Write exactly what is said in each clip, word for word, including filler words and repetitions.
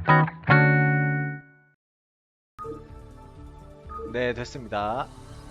네, 됐습니다.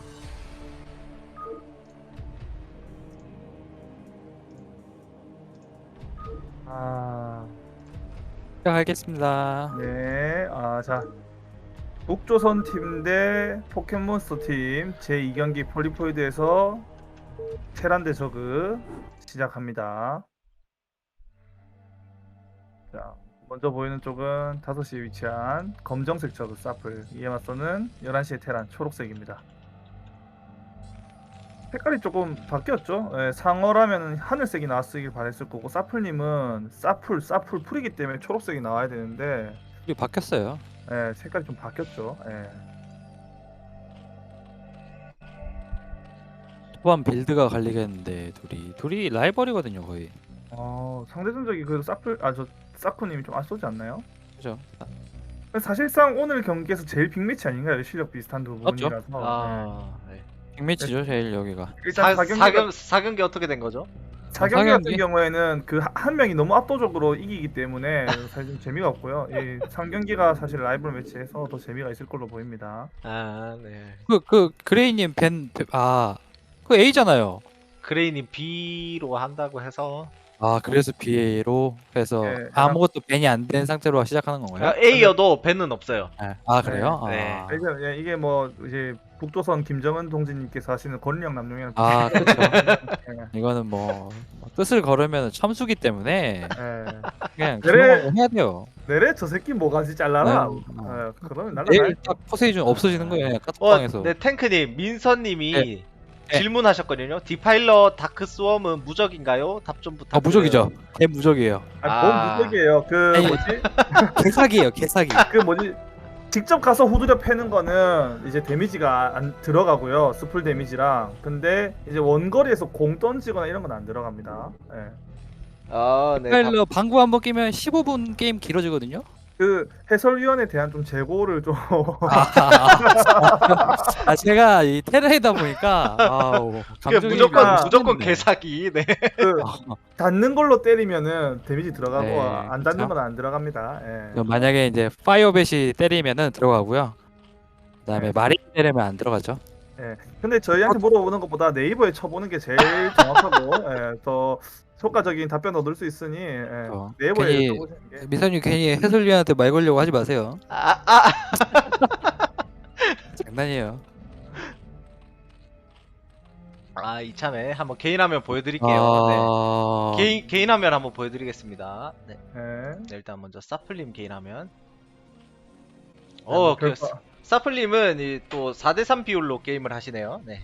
아, 시작하겠습니다. 네. 아, 자. 북조선 팀 대 포켓몬스터 팀 제이 경기 폴리포이드에서 테란 대 저그 시작합니다. 자, 먼저 보이는 쪽은 다섯 시에 위치한 검정색 저그 사플, 이에 맞서는 열한 시의 테란 초록색입니다. 색깔이 조금 바뀌었죠. 예, 상어라면 하늘색이 나왔으길 바랬을 거고, 사플님은 사플 사플 풀이기 때문에 초록색이 나와야 되는데, 이게 바뀌었어요. 예, 색깔이 좀 바뀌었죠. 예. 초반 빌드가 갈리겠는데 둘이 둘이 라이벌이거든요 거의. 어, 상대 전적이 그래도 사플 아 저 사쿠님이 좀 앞서지 않나요? 그죠? 사실상 오늘 경기에서 제일 빅매치 아닌가요? 실력 비슷한 두 맞죠? 분이라서. 네. 아, 네. 빅매치죠 제일 여기가. 일단 사, 사 경기 사경, 사경기 어떻게 된 거죠? 사 경기 같은 사경기? 경우에는 그 한 명이 너무 압도적으로 이기기 때문에 사실 좀 재미가 없고요. 이 삼 경기가 사실 라이벌 매치에서 더 재미가 있을 걸로 보입니다. 아, 네. 그 그 그레이님 벤아그 A잖아요. 그레이님 B로 한다고 해서 아 그래서 비에이로 해서 네, 아무것도 벤이 안 된 상태로 시작하는 건가요? 아, A여도 벤은 없어요. 네. 아 그래요? 네, 아, 이게, 예, 이게 뭐 이제 북조선 김정은 동지님께서 하시는 권력 남용이라는 아 그렇죠. 예, 이거는 뭐 뜻을 걸으면 참수기 때문에 예. 그냥 그래. 기용하고 해야 돼요. 내래 저 새끼 뭐가지 잘라라. 네. 예, 그러면 날라가야 내일 딱 포세이준 없어지는 거예요 그냥 어, 카톡방에서. 네, 탱크님, 민서님이 네. 질문하셨거든요. 디파일러 다크 스웜은 무적인가요? 답 좀 부탁드려요. 아 무적이죠. 개 무적이에요. 아, 뭔 아. 무적이에요. 그 아니, 뭐지? 개사기예요 개사기. 그 뭐지? 직접 가서 후드려 패는 거는 이제 데미지가 안 들어가고요. 스풀 데미지랑. 근데 이제 원거리에서 공 던지거나 이런 건 안 들어갑니다. 예. 아, 네. 답, 파일러 방구 한번 끼면 십오 분 게임 길어지거든요. 그 해설위원에 대한 좀 재고를 좀 아, 아 제가 이 테레이다 보니까 아우 그게 감정이 무조건 아, 무조건 네. 개사기. 네. 그 닿는 걸로 때리면은 데미지 들어가고 네, 안 닿는 그쵸. 건 안 들어갑니다. 예. 그럼 만약에 이제 파이어벳이 때리면은 들어가고요. 그다음에 네. 마린 때리면 안 들어가죠. 예. 근데 저희한테 물어보는 것보다 네이버에 쳐보는 게 제일 정확하고 예, 더 효과적인 답변 얻을 수 있으니 예, 어, 네이버에 괜히- 쳐보시는 게 미선님 괜히 해설위원한테 말 걸려고 하지 마세요. 아, 아. 장난이에요. 아, 이참에 한번 개인 화면 보여드릴게요. 아... 네. 개인 개인 화면 한번 보여드리겠습니다. 네. 예. 네, 일단 먼저 사플님 개인 화면. 네, 어, 뭐 그 결과- 사플님은 이 또 사 대 삼 비율로 게임을 하시네요. 네.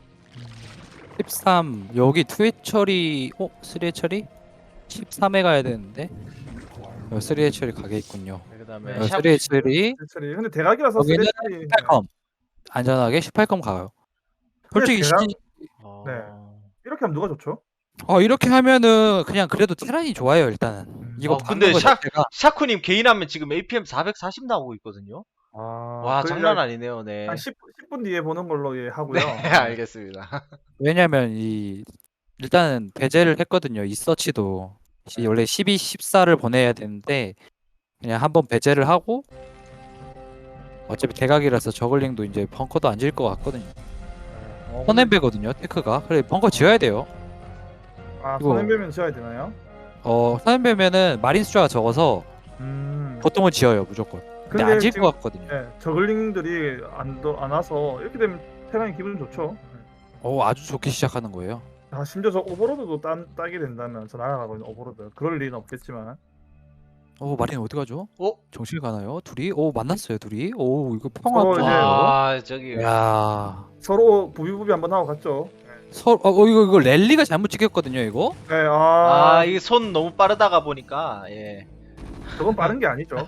십삼 여기 투회 처리 어? 쓰리회 처리? 십삼에 가야 되는데 어, 쓰리회 처리 가게 있군요. 네, 그다음에 네, 샵 쓰리회 처리 쓰리. 근데 대각이라서 여기는 쓰레기 십팔 컴 안전하게 십팔 컴 가요. 솔직히 제가- 시... 어... 네. 이렇게 하면 누가 좋죠? 어 이렇게 하면은 그냥 그래도 테란이 좋아요 일단은. 음. 이거 어, 박는 근데 거 샤- 자체가 샤쿠님 개인 화면 지금 에이피엠 사백사십 나오고 있거든요. 아, 와, 그 장난 아니네요. 네. 한 십, 십 분 뒤에 보는 걸로 예, 하고요. 네, 알겠습니다. 왜냐면 이 일단은 배제를 했거든요. 이 서치도 시- 네. 원래 십이, 십사를 보내야 되는데 그냥 한번 배제를 하고 어차피 대각이라서 저글링도 이제 벙커도 안 질 것 같거든요. 어, 선엠배거든요 테크가. 그래 벙커 지어야 돼요. 아, 이거- 선행배면 지어야 되나요? 어 선엠배면은 마린 숫자가 적어서 음. 보통은 지어요 무조건. 근데 안 질 것 같거든요. 예, 저글링들이 안, 더- 안 와서 이렇게 되면 테란이 기분 좋죠. 어 아주 좋게 시작하는 거예요. 아, 심지어 저 오버로드도 따, 따게 된다면 저 날아가고 있는 오버로드 그럴 리는 없겠지만 어 마린 어디 가죠? 어? 정실 가나요? 둘이? 오 만났어요 둘이? 오 이거 서로 평화 이제- 좋아요. 아, 저기 야 서로 부비부비 한번 하고 갔죠. 서, 어, 어 이거 이거 랠리가 잘못 찍혔거든요 이거. 네, 아, 아, 이게 손 너무 빠르다가 보니까 예. 저건 빠른 게 아니죠.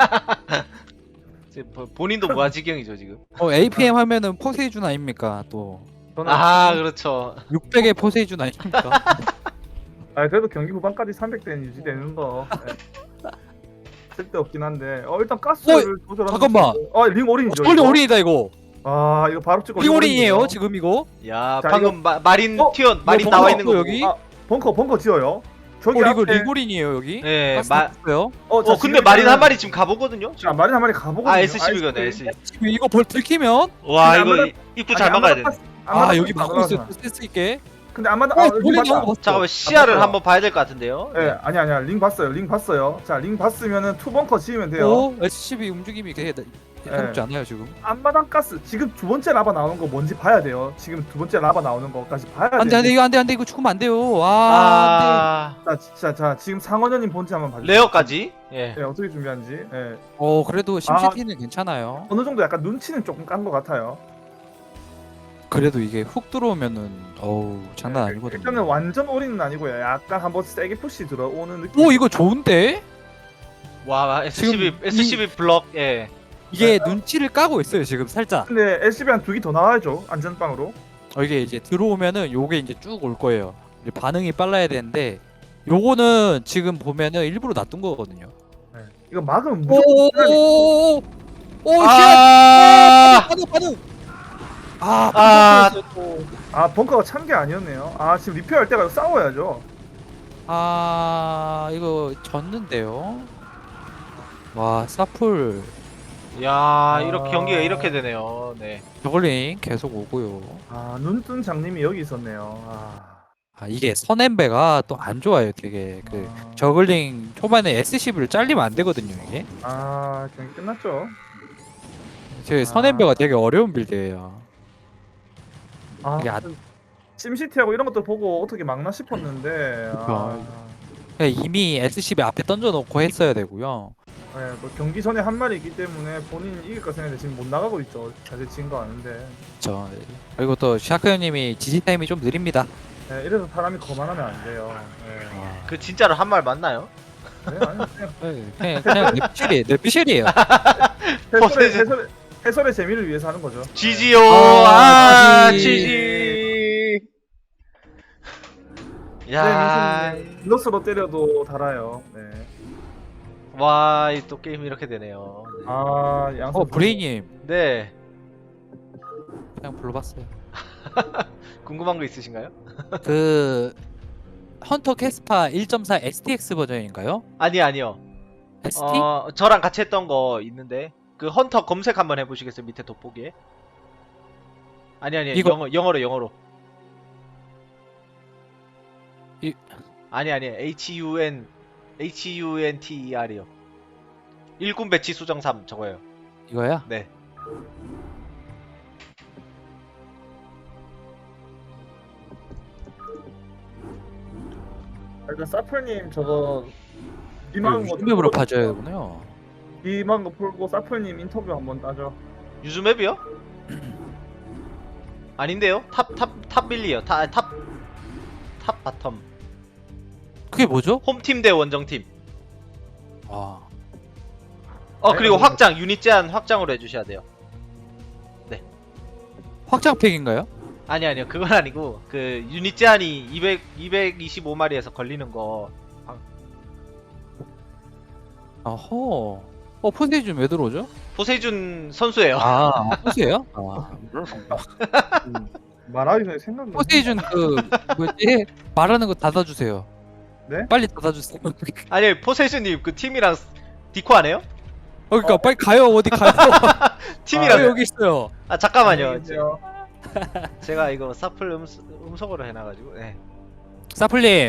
지금 보- 본인도 무아지경이죠, 지금. 어 에이피엠 하면은 포세이준 아닙니까 또. 저는 아, 그렇죠. 육백의 포세이준 아닙니까? 아, 그래도 경기 후반까지 삼백 대는 유지되는 거 네. 쓸데없긴 한데 어 일단 가스를 조절하는 잠깐만. 어링 올인이죠. 빨리 이거? 올인이다 이거. 아, 이거 바로 찍고 리올인이에요 올인이네요. 지금 이거. 야, 자, 방금 마, 마린 어? 튀어 마린 이거 나와 벙커 있는 거 여기? 보고. 아, 벙커 벙커 지어요. 저기 어 이거 앞에 리고린이에요 여기? 예, 가스 마, 났어요? 어, 자, 어 근데 지금 마린 한 일단은- 마리 지금 가보거든요. 자, 지금. 마린 한 마리 가보거든요. 아 에스씨비거네 아이스크림. 에스씨. 지금 이거 벌 들키면 와 근데 이거 아마도- 이- 입구 아니, 잘 막아야 아마도 돼. 파스- 아마도 아 여기 파스 막고 있어 나가잖아. 센스 있게. 근데 아마도 어 아, 링 저글링 봤다. 나온 거 봤어. 잠깐만 시야를 봤어요. 한번 봐야 될 것 같은데요. 예, 아니 아니야. 링 봤어요. 링 봤어요. 자, 링 봤으면은 투벙커 지으면 돼요. 오 에스씨비 움직임이 되게 예사롭지 않아요 지금. 앞마당 가스 지금 두 번째 라바 나오는 거 뭔지 봐야 돼요. 지금 두 번째 라바 나오는 거까지 봐야 돼요. 안돼 안돼 이거 안돼 안돼 이거 죽으면 안 돼요. 와 안돼. 아 자, 진짜 자 지금 상원현님 본지 한번 봐주세요. 레어까지. 예. 예, 어떻게 준비한지. 예. 어 그래도 심시티는 괜찮아요. 어느 정도 약간 눈치는 조금 깐 것 같아요. 그래도 이게 훅 들어오면은 어우 장난 예, 아니거든요. 일단은 완전 올인은 아니고요. 약간 한번 세게 푸시 들어오는 느낌. 오 이거 좋은데? 와 에스씨비 지금 에스씨비 블럭. 예. 이게 눈치를 까고 있어요 지금 살짝. 근데 에스씨비 한 두 개 더 나와야죠. 안전빵으로. 어, 이게 이제 들어오면은 요게 이제 쭉 올 거예요. 이제 반응이 빨라야 되는데 요거는 지금 보면은 일부러 놔둔 거거든요. 예. 이거 막으면 무조건 오오오오 오 아, 반응 반응. 아, 아. 아 벙커가 찬 게 아니었네요. 아 지금 리페어할 때가 싸워야죠. 아 이거 졌는데요. 와 사풀 야 이렇게 경기가 이렇게 되네요. 네. 저글링 계속 오고요. 아 눈뜬 장님이 여기 있었네요. 아, 아 이게 선엠베가 또 안 좋아요. 되게 그 아, 저글링 초반에 에스씨비를 잘리면 안 되거든요 이게. 아 경기 끝났죠. 제 선엠베가 되게 어려운 빌드예요. 아 이게 안- 심시티하고 이런 것도 보고 어떻게 막나 싶었는데 아, 그냥 이미 에스씨비 앞에 던져놓고 했어야 되고요. 네, 뭐 경기 전에 한 말이 있기 때문에 본인 이길 거 생각했는데 지금 못 나가고 있죠. 자세 지은 거 아는데. 저 그리고 또 샤크 형님이 지지 타임이 좀 느립니다. 네, 이래서 사람이 거만하면 안 돼요. 네. 그 진짜로 한 말 맞나요? 네, 아니 그냥 네, 그냥 그냥 뇌피셜이에요. 뇌피셜이에요. 해설의, 퍼센트- 해설의, 해설의 재미를 위해서 하는 거죠. 지지요. 아, 아, 지지. 지지. 야. 네, 블러스로 때려도 달아요. 네. 와, 이 또 게임 이렇게 되네요. 네. 아, 양선 어 브레이님 네. 그냥 불러봤어요. 궁금한 거 있으신가요? 그 헌터 캐스파 일 점 사 에스티엑스 버전인가요? 아니 아니요. 에스티? 어, 저랑 같이 했던 거 있는데 그 헌터 검색 한번 해보시겠어요? 밑에 돋보기에. 아니 아니 이거- 영어 영어로 영어로. 이- 아니 아니 H U N H U N T E R이요. 일군 배치 수정 삼 저거예요. 이거야? 네. 일단 사플님 저거 비망한 거 유튜브로 봐줘야 되군요. 비망한 거 풀고 사플님 인터뷰 한번 따죠. 유즈맵이요? 아닌데요? 탑 탑 탑 밀리요. 탑탑탑 바텀. 그게 뭐죠? 홈팀 대 원정팀. 아, 어 네, 그리고 뭐- 확장 유닛 제한 확장으로 해주셔야 돼요. 확장팩인가요? 아니 아니요 그건 아니고 그 유닛 제한이 이백 이백이십오 마리에서 걸리는 거. 어허. 어 폰세이준 왜 들어오죠? 포세준 선수예요. 아, 포세예요? 아, 음, 말하기 전에 생각나. 포세이준 그 뭐지? 말하는 거 닫아주세요. 네? 빨리 닫아주세요. 어, 아니 포세준님 그 팀이랑 디코 안 해요? 그러니까 어. 빨리 가요. 어디 가요? 팀이랑 왜 여기 있어요? 아 잠깐만요. 안녕하세요. 제가 이거 사플 음수, 음성으로 해놔가지고. 네. 사플님.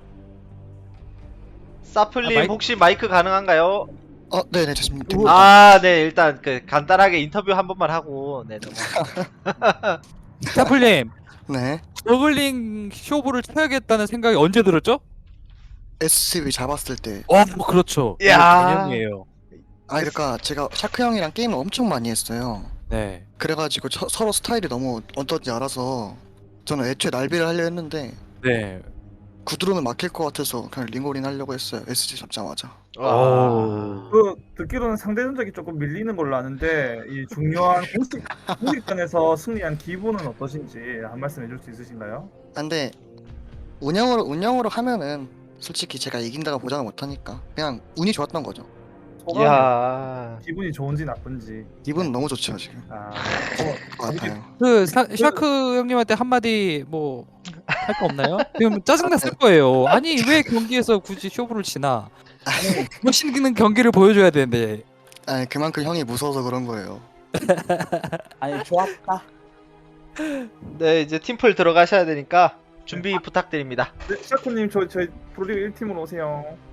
사플님 아, 마이크- 혹시 마이크 가능한가요? 어, 네네, 됐습니다. 아, 네 일단 그 간단하게 인터뷰 한 번만 하고 네 넘어가. 사플님. 네, 저글링 쇼부를 쳐야겠다는 생각이 언제 들었죠? 에스씨비 잡았을 때. 어, 뭐 그렇죠. 이게 야. 개념이에요. 아, 그러니까 제가 샤크 형이랑 게임을 엄청 많이 했어요. 네. 그래가지고 저- 서로 스타일이 너무 어떤지 알아서 저는 애초에 날비를 하려 했는데 네. 구드론은 막힐 것 같아서 그냥 링올인 하려고 했어요. 에스씨 잡자마자. 와. 그 듣기로는 상대 전적이 조금 밀리는 걸로 아는데 이 중요한 공식 공식전에서 승리한 기분은 어떠신지 한 말씀 해줄 수 있으신가요? 아, 근데 운영으로 운영으로 하면은 솔직히 제가 이긴다고 보장을 못하니까 그냥 운이 좋았던 거죠. 소감 야. 기분이 좋은지 나쁜지. 기분은 너무 좋죠 지금. 아, 것 같아요. 그 사, 샤크 형님한테 한마디 뭐 할 거 없나요? 그럼 짜증났을 거예요. 아니 왜 경기에서 굳이 쇼부를 치나? 멋있는 경기를 보여줘야 되는데. 아니 그만큼 형이 무서워서 그런 거예요. 아니 좋았다. 네, 이제 팀플 들어가셔야 되니까 준비 부탁드립니다. 네, 샤코님 저 저희 프로리그 일 팀으로 오세요.